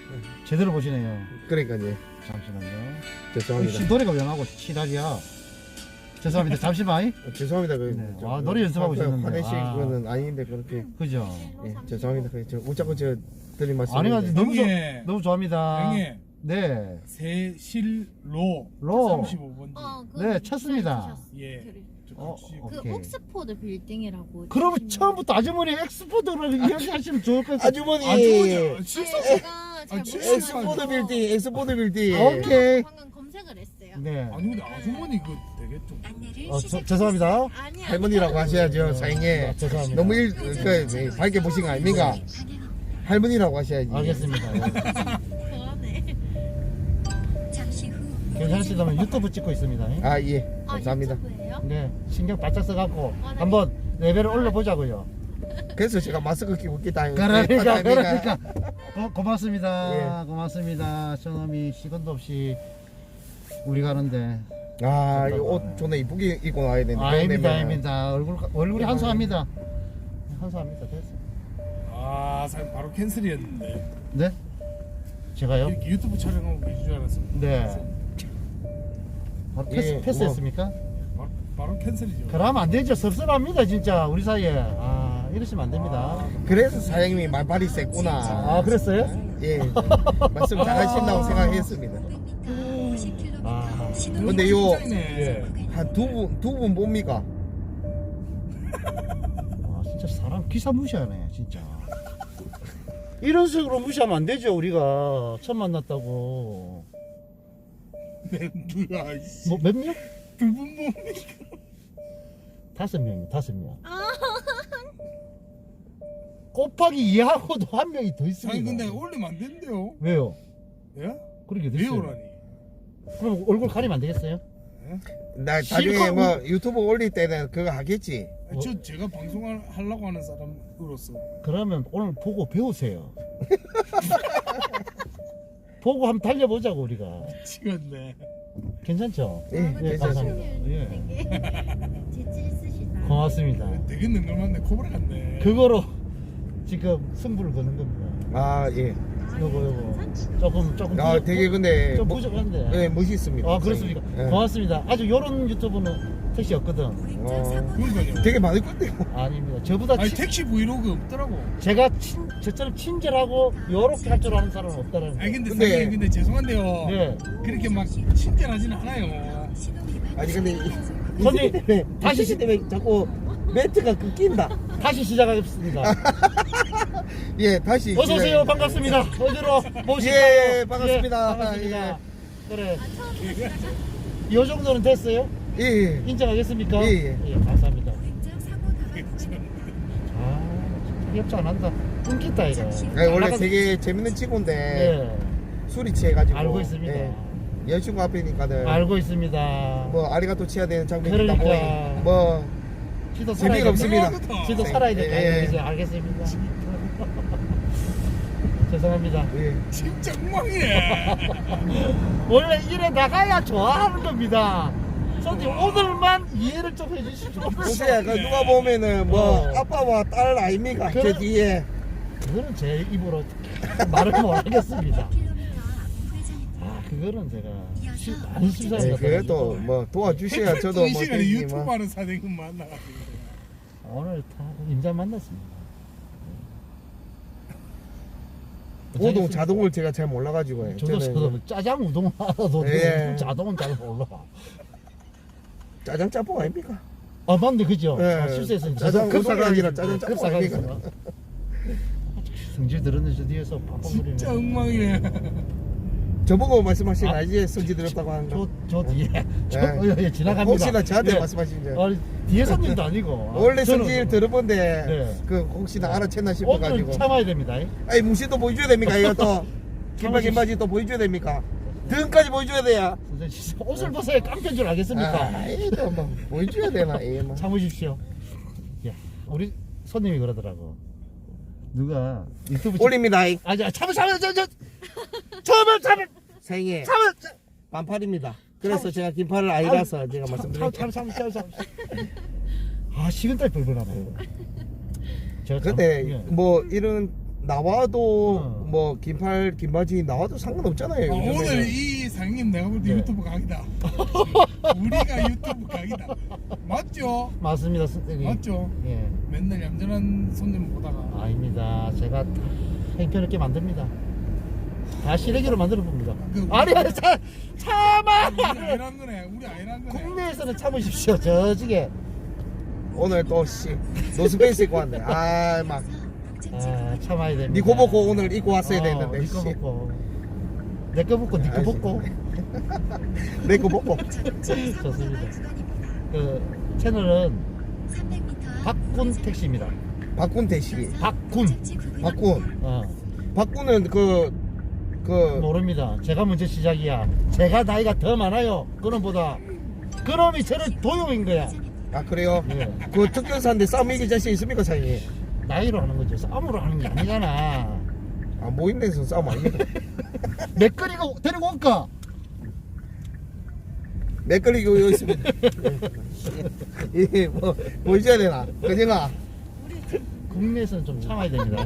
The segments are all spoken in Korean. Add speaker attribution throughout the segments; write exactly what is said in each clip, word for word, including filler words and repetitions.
Speaker 1: 제대로 보시네요.
Speaker 2: 그러니까요.
Speaker 1: 잠시만요.
Speaker 2: 죄송합니다.
Speaker 1: 씨, 노래가 왜 나오고 치달이야. 죄송합니다. 잠시만.
Speaker 2: 어, 죄송합니다. 그,
Speaker 1: 네.
Speaker 2: 저,
Speaker 1: 아, 노래 연습하고
Speaker 2: 화-
Speaker 1: 있었는데.
Speaker 2: 화내실
Speaker 1: 아.
Speaker 2: 거는 아닌데 그렇게.
Speaker 1: 그죠?
Speaker 2: 예, 죄송합니다. 그, 저 웃자고 저 드린 말씀.
Speaker 1: 아니, 아니, 너무, 좋,
Speaker 3: 형님.
Speaker 1: 너무 좋아합니다.
Speaker 3: 형님
Speaker 1: 네.
Speaker 3: 세실로
Speaker 1: 로.
Speaker 3: 삼십오 번지.
Speaker 4: 어, 그
Speaker 1: 네, 쳤습니다.
Speaker 3: 예.
Speaker 4: 그,
Speaker 1: 어,
Speaker 4: 그
Speaker 1: 오케이.
Speaker 4: 옥스포드 빌딩이라고.
Speaker 1: 그러면
Speaker 4: 치시면-
Speaker 1: 처음부터 아주머니 엑스포드를 이야기하시면 좋을 것 같아요.
Speaker 2: 아주머니.
Speaker 3: 아주 실수.
Speaker 4: 네, 제가 잘
Speaker 3: 아, 진짜
Speaker 4: 모르겠어요.
Speaker 2: 엑스포드 빌딩, 엑스포드 빌딩.
Speaker 1: 아, 오케이.
Speaker 4: 방금 검색을 했어요.
Speaker 1: 네.
Speaker 3: 아니 근데 아주머니 그 되게 좀.
Speaker 1: 어, 저, 죄송합니다.
Speaker 4: 아니
Speaker 2: 할머니라고 하셔야죠, 사장님.
Speaker 1: 아, 죄송합니다.
Speaker 2: 너무 일, 그, 밝게 보신 거 아닙니까? 할머니라고 하셔야지.
Speaker 1: 알겠습니다. 예.
Speaker 4: 그러네.
Speaker 1: 괜찮으시다면 유튜브 찍고 있습니다. 예.
Speaker 2: 아, 예. 감사합니다.
Speaker 4: 아, 유튜브예요?
Speaker 1: 네, 신경 바짝 써갖고
Speaker 4: 아, 네.
Speaker 1: 한번 레벨을 올려보자고요.
Speaker 2: 그래서 제가 마스크 끼고 있다.
Speaker 1: 그러니까, 그러니까. 고, 고맙습니다.
Speaker 2: 예.
Speaker 1: 고맙습니다. 저놈이 시간도 없이 우리 가는데.
Speaker 2: 아, 이 옷 존나 이쁘게 입고 나와야 되는데.
Speaker 1: 아닙니다, 아닙니다. 얼굴, 얼굴이 한수합니다. 한수합니다. 됐어.
Speaker 3: 아 사실 바로 캔슬이었는데.
Speaker 1: 네? 제가요?
Speaker 3: 이렇게 유튜브 촬영하고 계신 줄 알았습니다.
Speaker 1: 네. 바로 패스,
Speaker 2: 예,
Speaker 1: 패스했습니까?
Speaker 3: 바로, 바로 캔슬이죠.
Speaker 1: 그러면 안 되죠. 섭섭합니다, 진짜. 우리 사이에. 아, 이러시면 안 됩니다.
Speaker 2: 그래서 사장님이 말발이 셌구나.
Speaker 1: 아, 그랬어요?
Speaker 2: 예. 말씀 잘하신다고 생각했습니다.
Speaker 1: 아,
Speaker 2: 근데 요-
Speaker 3: 예.
Speaker 2: 한 두 분, 두 분 뭡니까?
Speaker 1: 아, 진짜 사람 기사 무시하네, 진짜. 이런 식으로 무시하면 안 되죠, 우리가. 처음 만났다고.
Speaker 3: 멘트야 이씨.
Speaker 1: 뭐, 몇 명?
Speaker 3: 두분 뭡니까?
Speaker 1: 다섯 명이 다섯 명. 곱하기 이하고도 한 명이 더 있습니다.
Speaker 3: 아니 근데 올리면 안 된대요.
Speaker 1: 왜요?
Speaker 3: 예?
Speaker 1: 그렇게 됐어요.
Speaker 3: 왜요라니?
Speaker 1: 그럼 얼굴 가리면 안 되겠어요?
Speaker 2: 나 나중에
Speaker 1: 실컷
Speaker 2: 뭐 유튜브 올릴 때는 그거 하겠지.
Speaker 3: 아니, 저 제가 방송을 하려고 하는 사람으로서
Speaker 1: 그러면 오늘 보고 배우세요. 보고 한번 달려보자고 우리가.
Speaker 3: 미치겠네.
Speaker 1: 괜찮죠?
Speaker 2: 예,
Speaker 4: 아,
Speaker 1: 예,
Speaker 2: 괜찮습니다.
Speaker 1: 감사합니다. 예.
Speaker 4: 되게 재치 있으시다.
Speaker 1: 고맙습니다.
Speaker 3: 되게 능글맞네. 코브라 같네.
Speaker 1: 그거로 지금 승부를 거는 겁니다.
Speaker 2: 아, 예.
Speaker 1: 요거 요거 조금 조금
Speaker 2: 아,
Speaker 1: 부족-
Speaker 2: 되게 근데
Speaker 1: 좀
Speaker 2: 뭐-
Speaker 1: 부족한데.
Speaker 2: 예, 멋있습니다.
Speaker 1: 아 그렇습니까?
Speaker 2: 예.
Speaker 1: 고맙습니다. 아주 요런 유튜브는 택시 없거든.
Speaker 2: 어,
Speaker 3: 그러니까요.
Speaker 2: 되게 많을 건데요.
Speaker 1: 아닙니다. 저보다
Speaker 3: 아니
Speaker 1: 친-
Speaker 3: 택시 브이로그 없더라고.
Speaker 1: 제가 친, 저처럼 친절하고 요렇게 할 줄 아는 사람은 없다라는
Speaker 3: 아니 근데
Speaker 2: 근데-
Speaker 3: 사장님 근데 죄송한데요.
Speaker 1: 네.
Speaker 3: 그렇게 막 친절하진 않아요.
Speaker 2: 아니 근데 이,
Speaker 1: 손님,
Speaker 2: 이 때문에
Speaker 1: 다시-
Speaker 2: 다시 때문에 자꾸 멘트가 끊긴다.
Speaker 1: 다시 시작하겠습니다.
Speaker 2: 예, 다시.
Speaker 1: 어서 오세요.
Speaker 2: 시작-
Speaker 1: 반갑습니다. 어디로 모실까요?
Speaker 2: 예, 반갑습니다.
Speaker 1: 예, 반갑습니다.
Speaker 2: 예.
Speaker 1: 그래. 요 정도는 됐어요?
Speaker 2: 예, 예.
Speaker 1: 인정하겠습니까?
Speaker 2: 예, 예.
Speaker 1: 감사합니다. 아, 협조 안 한다. 끊겠다 이거.
Speaker 2: 아니, 원래
Speaker 1: 나가서-
Speaker 2: 되게 재밌는 친구인데
Speaker 1: 예,
Speaker 2: 술이 취해가지고.
Speaker 1: 알고 있습니다.
Speaker 2: 예, 여자친구 앞이니까는
Speaker 1: 알고 있습니다.
Speaker 2: 뭐 아리가또 치야 되는 장면이 있다
Speaker 1: 그러니까.
Speaker 2: 보니 뭐
Speaker 1: 지도 살아야
Speaker 2: 재미가
Speaker 1: 됩니다.
Speaker 2: 없습니다.
Speaker 1: 지도 살아야 될거
Speaker 2: 예,
Speaker 1: 아니에요.
Speaker 2: 예.
Speaker 1: 이제 알겠습니다. 죄송합니다.
Speaker 2: 예.
Speaker 3: 진짜 엉망이네.
Speaker 1: 원래 이래 나가야 좋아하는 겁니다. 선생님 오늘만 이해를 좀 해주시죠.
Speaker 2: 혹시야 그 누가 보면은 뭐
Speaker 1: 어.
Speaker 2: 아빠와 딸 아닙니까?
Speaker 1: 그래.
Speaker 2: 저 뒤에.
Speaker 1: 그거는 제 입으로 말을 못 하겠습니다. 아 그거는 제가 시, 많이
Speaker 2: 네,
Speaker 1: 실수한
Speaker 2: 그래도 뭐 도와주셔야 저도
Speaker 3: 이
Speaker 2: 뭐
Speaker 3: 시간에
Speaker 2: 되지
Speaker 3: 유튜브
Speaker 2: 뭐.
Speaker 3: 하는 사장님 만나가지고.
Speaker 1: 오늘 다 임자 만났습니다.
Speaker 2: 우동 자동을 제가 잘 몰라가지고요.
Speaker 1: 저도
Speaker 2: 저는
Speaker 1: 저도 짜장 우동 알아도
Speaker 2: 예.
Speaker 1: 자동은 잘 몰라.
Speaker 2: 짜장 짬뽕 아닙니까?
Speaker 1: 아 맞네 그죠?
Speaker 2: 예.
Speaker 1: 아, 실수했어요.
Speaker 2: 짜장
Speaker 1: 저도
Speaker 2: 우동이 아니라 짜장 짬뽕
Speaker 1: 급사가
Speaker 2: 아닙니까?
Speaker 1: 있어. 성질 들었는 저 뒤에서 papap거리네.
Speaker 3: 진짜 엉망이네.
Speaker 2: 저보고 말씀하시면
Speaker 1: 아,
Speaker 2: 알지 성질 들었다고 하는 거.
Speaker 1: 저, 저 뒤에 저,
Speaker 2: 예.
Speaker 1: 어, 예, 지나갑니다.
Speaker 2: 혹시나 저한테
Speaker 1: 예.
Speaker 2: 말씀하시면
Speaker 1: 아니, 뒤에 손님도 아니고. 아,
Speaker 2: 원래
Speaker 1: 저는
Speaker 2: 성질 들어본데
Speaker 1: 네.
Speaker 2: 그 혹시나 알아챘나
Speaker 1: 오늘
Speaker 2: 싶어가지고.
Speaker 1: 참아야 됩니다.
Speaker 2: 아니 무시도 보여줘야 됩니까 이거 또 김밥 김바지 또 보여줘야 됩니까? 등까지 보여줘야 돼야.
Speaker 1: 선생님, 옷을 벗어야 깡패인 줄 알겠습니까?
Speaker 2: 아, 이거 뭐 보여줘야 되나 이 뭐.
Speaker 1: 참으십시오. 예, 우리 손님이 그러더라고. 누가 유튜브
Speaker 2: 올립니다. 이.
Speaker 1: 아, 자, 참을 참을 저, 저, 참을 참을
Speaker 2: 생애
Speaker 1: 참을
Speaker 2: 반팔입니다. 그래서 제가 긴팔을 아니라서 제가
Speaker 1: 참,
Speaker 2: 말씀드릴게요.
Speaker 1: 참, 참, 참, 참, 참. 아, 식은땀 뻘뻘하네. 제가 참-
Speaker 2: 근데
Speaker 1: 예.
Speaker 2: 뭐 이런 나와도
Speaker 1: 어.
Speaker 2: 뭐 긴팔 긴바지 나와도 상관없잖아요.
Speaker 3: 아,
Speaker 2: 요즘에는.
Speaker 3: 오늘 이 상님 내가 볼 때
Speaker 1: 네.
Speaker 3: 유튜브 각이다. 우리가 유튜브 각이다. 맞죠?
Speaker 1: 맞습니다, 선생님.
Speaker 3: 맞죠?
Speaker 1: 예.
Speaker 3: 맨날 얌전한 손님 보다가
Speaker 1: 아닙니다. 제가 다 행편있게 만듭니다. 다 시래기로 만들어 봅니다.
Speaker 3: 그-
Speaker 1: 아니, 아니, 참, 참아!
Speaker 3: 우리 아니란 거네. 우리 아니란 거네.
Speaker 1: 국내에서는 참으십시오, 저지게.
Speaker 2: 오늘 또씨 노스페이스 입고 왔네. 아막
Speaker 1: 아, 참아야 됩니다.
Speaker 2: 니코 벗고 오늘 입고 왔어야
Speaker 1: 어,
Speaker 2: 되는데.
Speaker 1: 니꺼
Speaker 2: 씨.
Speaker 1: 벗고. 내꺼 벗고, 니꺼 벗고.
Speaker 2: 내거 벗고.
Speaker 1: 좋습니다. 그, 채널은 박군 택시입니다.
Speaker 2: 박군 대시.
Speaker 1: 박군.
Speaker 2: 박군.
Speaker 1: 어,
Speaker 2: 박군은 그 그
Speaker 1: 모릅니다. 제가 먼저 시작이야. 제가 나이가 더 많아요. 그놈보다. 그놈이 저를 도용인 거야.
Speaker 2: 아 그래요?
Speaker 1: 예.
Speaker 2: 그 특전사인데 싸움 이길 자신 있습니까 사장님?
Speaker 1: 나이로 하는 거죠. 싸움으로 하는 게 아니잖아.
Speaker 2: 아 모인 데서 싸움 아닙니까?
Speaker 1: 맥거리가 데리고 올까?
Speaker 2: 맥걸리고 여기 있습니다. 이뭐 보여줘야 되나? 그정아
Speaker 1: 국내에서는 좀 참아야 됩니다.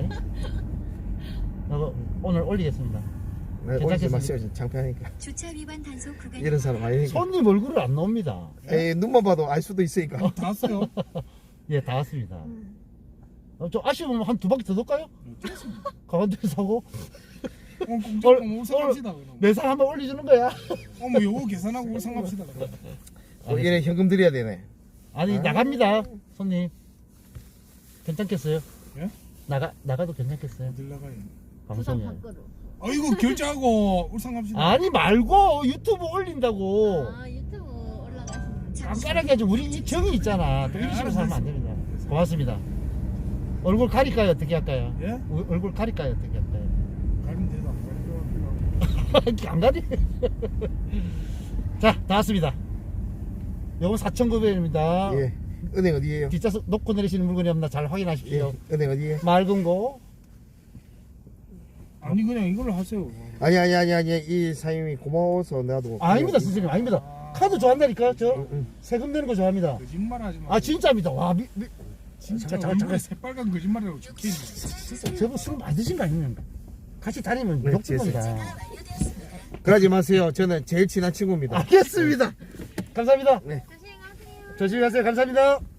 Speaker 1: 어, 오늘 올리겠습니다.
Speaker 2: 네, 올리지
Speaker 1: 괜찮겠습니까?
Speaker 2: 마세요. 창피하니까.
Speaker 4: 주차 위반 단속 구간.
Speaker 2: 이런 사람 아니니까.
Speaker 1: 손님 얼굴을 안 나옵니다.
Speaker 2: 에이 눈만 봐도 알 수도 있으니까.
Speaker 3: 다 왔어요.
Speaker 1: 예, 다 왔습니다. 어, 좀 아쉬우면 한 두 바퀴 더 돌까요? 가만히 사고
Speaker 3: 어, 공장 울산 갑시다. 그럼.
Speaker 1: 매상 한번 올려주는 거야.
Speaker 3: 어머 요거 계산하고 울산 갑시다. 그럼.
Speaker 2: 어, 얘네 현금 드려야 되네.
Speaker 1: 아니
Speaker 2: 아.
Speaker 1: 나갑니다, 손님. 괜찮겠어요?
Speaker 3: 예?
Speaker 1: 나가 나가도 괜찮겠어요?
Speaker 3: 어딜 나가요?
Speaker 4: 부산
Speaker 1: 방송에.
Speaker 4: 밖으로.
Speaker 3: 아이고 결제하고 울산 갑시다.
Speaker 1: 아니 말고 유튜브 올린다고.
Speaker 4: 아 유튜브 올라가시는.
Speaker 1: 깐깐하게 하지. 우리 이 정이 있잖아. 또
Speaker 3: 네,
Speaker 1: 이런 식으로
Speaker 3: 알았어,
Speaker 1: 살면 안 됩니다. 고맙습니다. 얼굴 가릴까요? 어떻게 할까요?
Speaker 3: 예?
Speaker 1: 우- 얼굴 가릴까요? 어떻게 할까요?
Speaker 3: 가면 되다. 가면 되다.
Speaker 1: 안 가리? 자, 다 왔습니다. 요거 사천구백 원입니다.
Speaker 2: 예. 은행 어디에요?
Speaker 1: 뒷좌석 놓고 내리시는 물건이 없나 잘
Speaker 2: 예.
Speaker 1: 확인하십시오.
Speaker 2: 은행 어디에?
Speaker 1: 맑은 거.
Speaker 3: 아니 그냥 이걸로 하세요.
Speaker 2: 아니 아니 아니 아니 이 사장님이 고마워서 나도.
Speaker 1: 아닙니다, 선생님. 아닙니다. 카드 좋아한다니까. 저
Speaker 2: 응, 응.
Speaker 1: 세금 내는 거 좋아합니다.
Speaker 3: 거짓말하지 마.
Speaker 1: 아, 진짜입니다. 와, 미, 미,
Speaker 3: 진짜
Speaker 1: 잠깐, 잠깐,
Speaker 3: 얼굴에
Speaker 1: 잠깐.
Speaker 3: 새빨간 거짓말이라고 적혀있네.
Speaker 1: 진짜 저분 술 많이 드신 거 아닙니까? 같이 다니면
Speaker 2: 네,
Speaker 1: 욕줄 겁니다.
Speaker 2: 그러지 마세요. 저는 제일 친한 친구입니다.
Speaker 1: 알겠습니다. 감사합니다.
Speaker 2: 네.
Speaker 4: 조심하세요.
Speaker 1: 조심히 가세요. 감사합니다.